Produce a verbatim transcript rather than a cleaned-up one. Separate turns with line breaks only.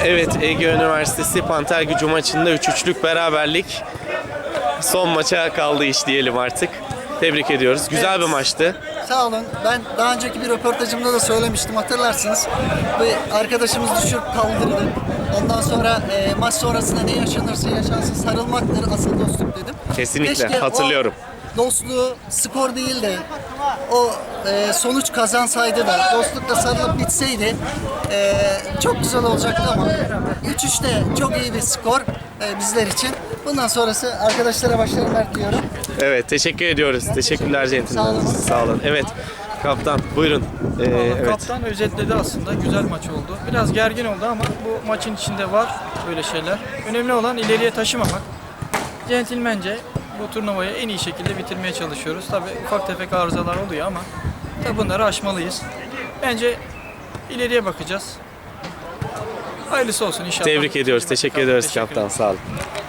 Evet, Ege Üniversitesi Panter Gücü maçında üç üçlük beraberlik. Son maça kaldı iş diyelim artık. Tebrik ediyoruz. Güzel bir maçtı.
Sağ olun. Ben daha önceki bir röportajımda da söylemiştim, hatırlarsınız. Bir arkadaşımız düşürüp kaldırdı. Ondan sonra e, maç sonrasında ne yaşanırsa yaşansın sarılmaktır asıl dostluk dedim.
Kesinlikle,
Keşke
hatırlıyorum.
O dostluğu skor değil de o e, sonuç kazansaydı da dostlukla sarılıp bitseydi e, çok güzel olacaktı ama üç üçte çok iyi bir skor e, bizler için. Bundan sonrası arkadaşlara başarılar diyorum.
Evet, teşekkür ediyoruz. Teşekkürler centilmen.
Sağ olun.
Sağ olun. Evet, kaptan buyurun. Ee, evet.
Kaptan özetledi aslında. Güzel maç oldu. Biraz gergin oldu ama bu maçın içinde var böyle şeyler. Önemli olan ileriye taşımamak. Centilmence bu turnuvayı en iyi şekilde bitirmeye çalışıyoruz. Tabii ufak tefek arızalar oluyor ama tabii bunları aşmalıyız. Bence ileriye bakacağız. Hayırlısı olsun inşallah.
Tebrik ediyoruz. Teşekkür ediyoruz
Teşekkür
kaptan. Sağ olun.